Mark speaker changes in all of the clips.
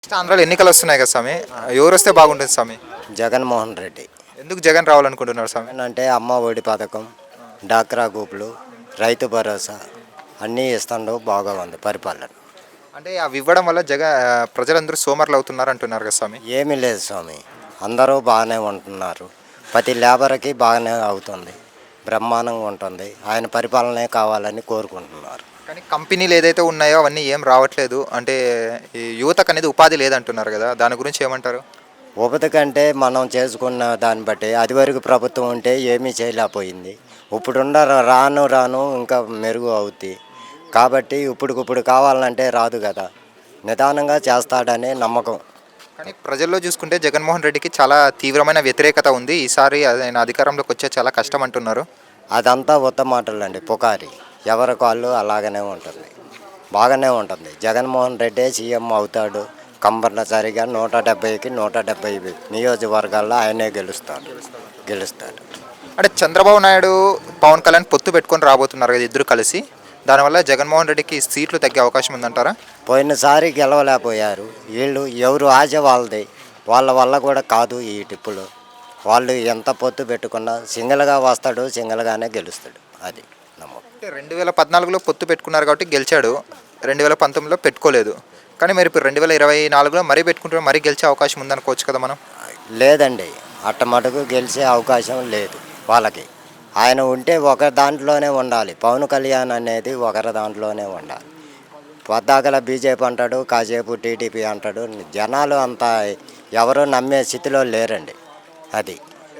Speaker 1: Next ఆంధ్రాలో ఎన్నికలు వస్తున్నాయి కదా స్వామి. ఎవరు వస్తే బాగుంటుంది స్వామి?
Speaker 2: జగన్మోహన్ రెడ్డి.
Speaker 1: ఎందుకు జగన్ రావాలనుకుంటున్నారు స్వామి?
Speaker 2: అంటే అమ్మ ఒడి పథకం, డాక్రా గ్రూపులు, రైతు భరోసా అన్నీ ఇస్తాడు, బాగా ఉంది పరిపాలన.
Speaker 1: అంటే అవి ఇవ్వడం వల్ల ప్రజలందరూ సోమరులు అవుతున్నారు అంటున్నారు కదా స్వామి.
Speaker 2: ఏమీ లేదు స్వామి, అందరూ బాగానే ఉంటున్నారు. ప్రతి లేబర్కి బాగానే అవుతుంది, బ్రహ్మాండంగా ఉంటుంది. ఆయన పరిపాలనే కావాలని కోరుకుంటున్నారు.
Speaker 1: కానీ కంపెనీలు ఏదైతే ఉన్నాయో అవన్నీ ఏం రావట్లేదు. అంటే ఈ యువతకు అనేది ఉపాధి లేదంటున్నారు కదా, దాని గురించి ఏమంటారు?
Speaker 2: ఉపతి కంటే మనం చేసుకున్న దాన్ని బట్టి అది వరకు ప్రభుత్వం ఉంటే ఏమీ చేయలేకపోయింది. ఇప్పుడున్న రాను రాను ఇంకా మెరుగు అవుద్ది. కాబట్టి ఇప్పుడు కావాలంటే రాదు కదా, నిదానంగా చేస్తాడనే నమ్మకం.
Speaker 1: కానీ ప్రజల్లో చూసుకుంటే జగన్మోహన్ రెడ్డికి చాలా తీవ్రమైన వ్యతిరేకత ఉంది. ఈసారి ఆయన అధికారంలోకి వచ్చే చాలా కష్టం అంటున్నారు.
Speaker 2: అదంతా ఉత్త మాటలండి, పుకారి. ఎవరి కాళ్ళు అలాగనే ఉంటుంది, బాగానే ఉంటుంది. జగన్మోహన్ రెడ్డే సీఎం అవుతాడు కంపల్సరిగా. 170కి 170 నియోజకవర్గాల్లో ఆయనే గెలుస్తాడు.
Speaker 1: అంటే చంద్రబాబు నాయుడు, పవన్ కళ్యాణ్ పొత్తు పెట్టుకొని రాబోతున్నారు కదా ఇద్దరు కలిసి. దానివల్ల జగన్మోహన్ రెడ్డికి సీట్లు తగ్గే అవకాశం ఉందంటారా?
Speaker 2: పోయినసారి గెలవలేకపోయారు వీళ్ళు. ఎవరు ఆశ వాళ్ళది, వాళ్ళ వల్ల కూడా కాదు ఈ టిప్పులు. వాళ్ళు ఎంత పొత్తు పెట్టుకున్నా సింగిల్గా వస్తాడు, సింగిల్గానే గెలుస్తాడు. అది నమ్మకం.
Speaker 1: 2014లో పొత్తు పెట్టుకున్నారు కాబట్టి గెలిచాడు, 2019లో పెట్టుకోలేదు. కానీ మరి ఇప్పుడు 2024లో మరీ పెట్టుకుంటే మరీ గెలిచే అవకాశం ఉందనుకోవచ్చు కదా మనం.
Speaker 2: లేదండి, అట్ట మటుకు గెలిచే అవకాశం లేదు వాళ్ళకి. ఆయన ఉంటే ఒక దాంట్లోనే ఉండాలి. పవన్ కళ్యాణ్ అనేది ఒకరి దాంట్లోనే ఉండాలి. పొద్దాకల బీజేపీ అంటాడు, కాసేపు టీడీపీ అంటాడు. జనాలు అంతా ఎవరు నమ్మే స్థితిలో లేరండి. అది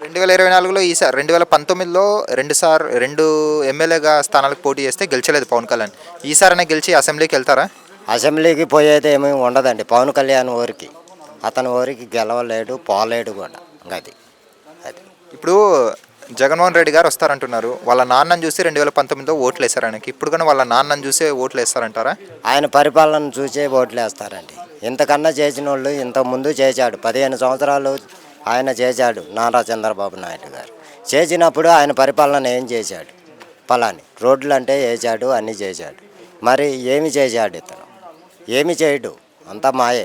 Speaker 1: 2024లో ఈసారి 2019లో రెండు ఎమ్మెల్యేగా స్థానాలకు పోటీ చేస్తే గెలిచలేదు పవన్ కళ్యాణ్. ఈసారైనా గెలిచి అసెంబ్లీకి వెళ్తారా?
Speaker 2: అసెంబ్లీకి పోయేది ఏమీ ఉండదండి. పవన్ కళ్యాణ్ ఊరికి, అతని ఊరికి గెలవలేడు, పోలేడు కూడా. అది అది
Speaker 1: ఇప్పుడు జగన్మోహన్ రెడ్డి గారు వస్తారంటున్నారు. వాళ్ళ నాన్నని చూసి 2019లో ఓట్లు వేస్తారు ఆయనకి. ఇప్పుడు కానీ వాళ్ళ నాన్నని చూసే ఓట్లు వేస్తారంటారా?
Speaker 2: ఆయన పరిపాలన చూసే ఓట్లు వేస్తారండి. ఇంతకన్నా చేసిన వాళ్ళు ఇంతకుముందు చేశాడు. 15 సంవత్సరాలు ఆయన చేశాడు నారా చంద్రబాబు నాయుడు గారు. చేసినప్పుడు ఆయన పరిపాలన ఏం చేశాడు? పలాని రోడ్లు అంటే వేసాడు, అన్నీ చేశాడు. మరి ఏమి చేశాడు ఇతను? ఏమి చేయడు, అంతా మాయే.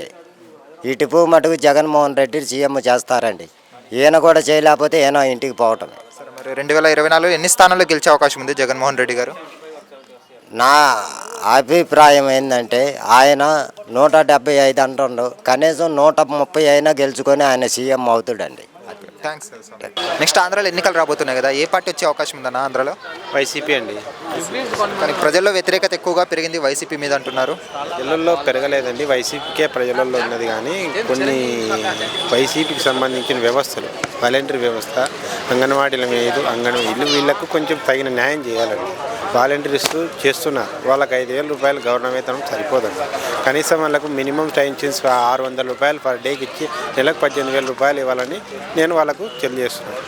Speaker 2: ఈ టిప్పు మటుకు జగన్మోహన్ రెడ్డి సీఎం చేస్తారండి. ఈయన కూడా చేయలేకపోతే ఈయన ఇంటికి పోవటమే.
Speaker 1: సరే, మరి 2024లో ఎన్ని స్థానాల్లో గెలిచే అవకాశం ఉంది జగన్మోహన్ రెడ్డి గారు?
Speaker 2: నా అభిప్రాయం ఏంటంటే ఆయన 175 అంటుండు, కనీసం 130 అయినా గెలుచుకొని ఆయన సీఎం అవుతాడండి.
Speaker 1: థ్యాంక్స్. నెక్స్ట్ ఆంధ్రాలో ఎన్నికలు రాబోతున్నాయి కదా, ఏ పార్టీ వచ్చే అవకాశం ఉందన్న ఆంధ్రాలో?
Speaker 3: వైసీపీ అండి.
Speaker 1: కానీ ప్రజల్లో వ్యతిరేకత ఎక్కువగా పెరిగింది వైసీపీ మీద అంటున్నారు.
Speaker 3: ప్రజలలో పెరగలేదండి, వైసీపీకే ప్రజలలో ఉన్నది. కానీ కొన్ని వైసీపీకి సంబంధించిన వ్యవస్థలు, వాలంటరీ వ్యవస్థ, అంగన్వాడీల మీద వీళ్ళకు కొంచెం తగిన న్యాయం చేయాలండి. వాలంటీర్స్ చేస్తున్నారు, వాళ్ళకి 5,000 రూపాయలు గవర్నమెంట్ వేతనం సరిపోదండి. కనీసం వాళ్ళకు మినిమం టైంచిన్స్ 600 రూపాయలు పర్ డేకి ఇచ్చి నెలకు 18,000 రూపాయలు ఇవ్వాలని నేను వాళ్ళకు తెలియజేస్తున్నాను.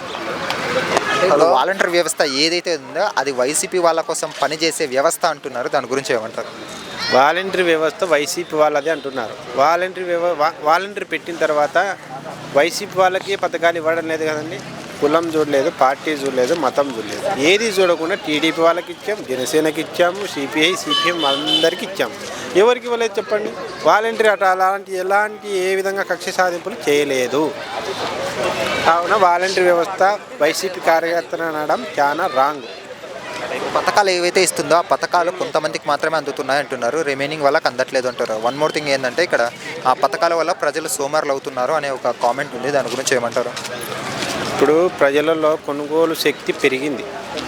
Speaker 1: వాలంటీర్ వ్యవస్థ ఏదైతే ఉందో అది వైసీపీ వాళ్ళ కోసం పనిచేసే వ్యవస్థ అంటున్నారు. దాని గురించి ఏమంటారు?
Speaker 3: వాలంటరీ వ్యవస్థ వైసీపీ వాళ్ళదే అంటున్నారు. వాలంటరీ పెట్టిన తర్వాత వైసీపీ వాళ్ళకి పథకాలు ఇవ్వడం లేదు కదండి. కులం చూడలేదు, పార్టీ చూడలేదు, మతం చూడలేదు, ఏది చూడకుండా టీడీపీ వాళ్ళకి ఇచ్చాము, జనసేనకి ఇచ్చాము, సిపిఐ సిపిఎం అందరికీ ఇచ్చాము. ఎవరికి ఇవ్వలేదు చెప్పండి? వాలంటరీ ఎలాంటి ఏ విధంగా కక్ష సాధింపులు చేయలేదు. కావున వాలంటరీ వ్యవస్థ వైసీపీ కార్యకర్తలు అనడం చాలా రాంగ్.
Speaker 1: పథకాలు ఏవైతే ఇస్తుందో ఆ పథకాలు కొంతమందికి మాత్రమే అందుతున్నాయి అంటున్నారు, రిమైనింగ్ వాళ్ళకి అందట్లేదు అంటారు. వన్ మోర్ థింగ్ ఏంటంటే ఇక్కడ ఆ పథకాల వల్ల ప్రజలు సోమరులు అవుతున్నారు అనే ఒక కామెంట్ ఉంది. దాని గురించి ఏమంటారు?
Speaker 3: ఇప్పుడు ప్రజలలో కొనుగోలు శక్తి పెరిగింది.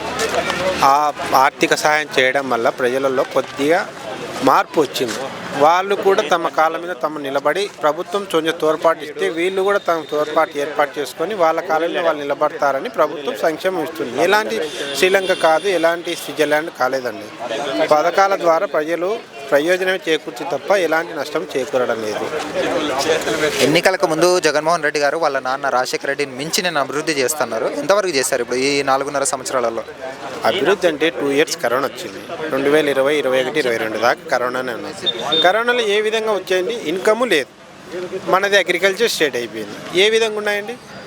Speaker 3: ఆ ఆర్థిక సహాయం చేయడం వల్ల ప్రజలలో కొద్దిగా మార్పు వచ్చింది. వాళ్ళు కూడా తమ కాళ్ళ మీద తమ నిలబడి ప్రభుత్వం కొంచెం తోడ్పాటు ఇస్తే వీళ్ళు కూడా తమ తోడ్పాటు ఏర్పాటు చేసుకొని వాళ్ళ కాలంలో వాళ్ళు నిలబడతారని ప్రభుత్వం సంక్షేమం ఇస్తుంది. ఎలాంటి శ్రీలంక కాదు, ఎలాంటి స్విట్జర్లాండ్ కాలేదండి. పథకాల ద్వారా ప్రజలు ప్రయోజనమే చేకూర్చి తప్ప ఎలాంటి నష్టం చేకూరడం లేదు.
Speaker 1: ఎన్నికలకు ముందు జగన్మోహన్ రెడ్డి గారు వాళ్ళ నాన్న రాజశేఖర రెడ్డిని మించి నేను అభివృద్ధి చేస్తున్నారు. ఎంతవరకు చేశారు ఇప్పుడు ఈ 4.5 సంవత్సరాలలో?
Speaker 3: అభివృద్ధి అంటే 2 ఇయర్స్ కరోనా వచ్చింది. 2020, 21, 22 దాకా కరోనానే ఉన్నది. కరోనాలో ఏ విధంగా వచ్చాయండి? ఇన్కమ్ లేదు. మనది అగ్రికల్చర్ స్టేట్ అయిపోయింది. ఏ విధంగా ఉన్నాయండి?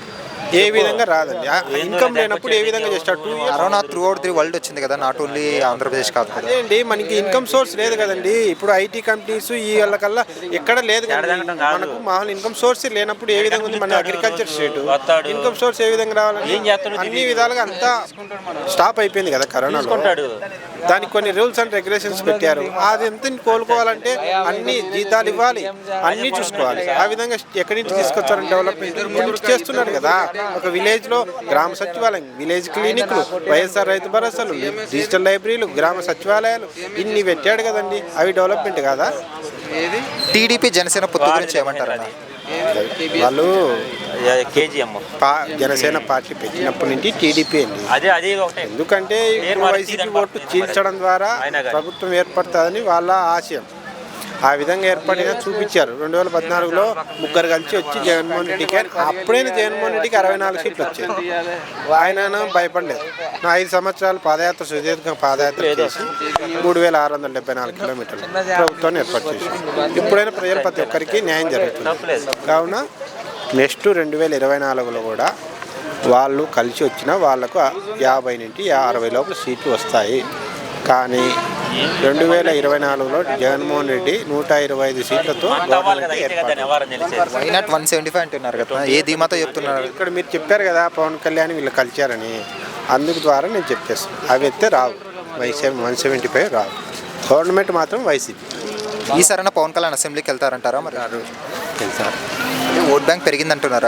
Speaker 3: ఏ విధంగా రాదండి. ఇన్కమ్ లేనప్పుడు ఏ విధంగా చేస్తాడు? 2 years
Speaker 1: corona throughout the world వచ్చింది కదా, నాట్ ఓన్లీ ఆంధ్రప్రదేశ్ కాదు కదా.
Speaker 3: అదే అండి, మనకి ఇన్కమ్ సోర్స్ లేదు కదండి. ఇప్పుడు ఐటీ కంపెనీస్ ఈ వాళ్ళకల్లా ఎక్కడ లేదు కదండి. మనకు మామూలు ఇన్కమ్ సోర్స్ లేనప్పుడు ఏ విధంగా ఉంది మన అగ్రికల్చర్ స్టేట్? ఇన్కమ్ సోర్స్ ఏ విధంగా రావాలండి? అన్ని విధాలుగా అంతా స్టాప్ అయిపోయింది కదా కరోనాలో. దానికి కొన్ని రూల్స్ అండ్ రెగ్యులేషన్స్ పెట్టారు. అది ఎంత కోలుకోవాలంటే అన్ని జీతాలు ఇవ్వాలి, అన్నీ చూసుకోవాలి. ఆ విధంగా ఎక్కడి నుంచి తీసుకొచ్చారని డెవలప్మెంట్ ఇప్పుడు చేస్తున్నాడు కదా. ఒక విలేజ్లో గ్రామ సచివాలయం, విలేజ్ క్లినిక్లు, వైఎస్ఆర్ రైతు భరోసాలు, డిజిటల్ లైబ్రరీలు, గ్రామ సచివాలయాలు ఇన్ని పెట్టాడు కదండి. అవి డెవలప్మెంట్ కాదా?
Speaker 1: టీడీపీ జనసేన పొత్తు గురించి ఏమంటారన్న?
Speaker 3: వాళ్ళు
Speaker 4: కేజీఎం
Speaker 3: జనసేన పార్టీ పెట్టినప్పటి నుంచి టీడీపీ అండి.
Speaker 4: అదే ఒకటే.
Speaker 3: ఎందుకంటే ఇప్పుడు వైసీపీ ఓటు చీల్చడం ద్వారా ప్రభుత్వం ఏర్పడుతుందని వాళ్ళ ఆశయం. ఆ విధంగా ఏర్పడినా చూపించారు. 2014లో ముగ్గురు కలిసి వచ్చి జగన్మోహన్ రెడ్డికి, అప్పుడైనా జగన్మోహన్ రెడ్డికి 64 సీట్లు వచ్చాయి. ఆయన భయపడలేదు. 5 సంవత్సరాలు పాదయాత్ర, సుదీర్ఘ పాదయాత్ర చేసి 3674 కిలోమీటర్లు ప్రభుత్వాన్ని ఏర్పాటు చేశారు. ఇప్పుడైనా ప్రజలు ప్రతి ఒక్కరికి న్యాయం జరుగుతుంది. కావున నెక్స్ట్ 2024లో కూడా వాళ్ళు కలిసి వచ్చినా వాళ్లకు 50 నుంచి 60 లోపల సీట్లు వస్తాయి. కానీ 2024లో జగన్మోహన్ రెడ్డి 125 సీట్లతో
Speaker 1: వైనాట్ 175 అంటున్నారు కదా, ఏ ధీమాతో చెప్తున్నారు?
Speaker 3: ఇక్కడ మీరు చెప్పారు కదా పవన్ కళ్యాణ్ వీళ్ళు కలిచారని, అందుకు ద్వారా నేను చెప్పేస్తాను. అవి అయితే రావు, 175 రావు. గవర్నమెంట్ మాత్రం వైసీపీ.
Speaker 1: ఈసారైనా పవన్ కళ్యాణ్ అసెంబ్లీకి వెళ్తారంటారా? మరి
Speaker 3: వెళ్తారు.
Speaker 1: ఓట్ బ్యాంక్ పెరిగిందంటున్నారా?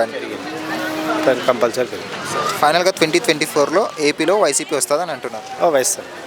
Speaker 3: కంపల్సరీ.
Speaker 1: ఫైనల్గా 2024లో ఏపీలో వైసీపీ వస్తుందని అంటున్నారు.
Speaker 3: వైఎస్ఆర్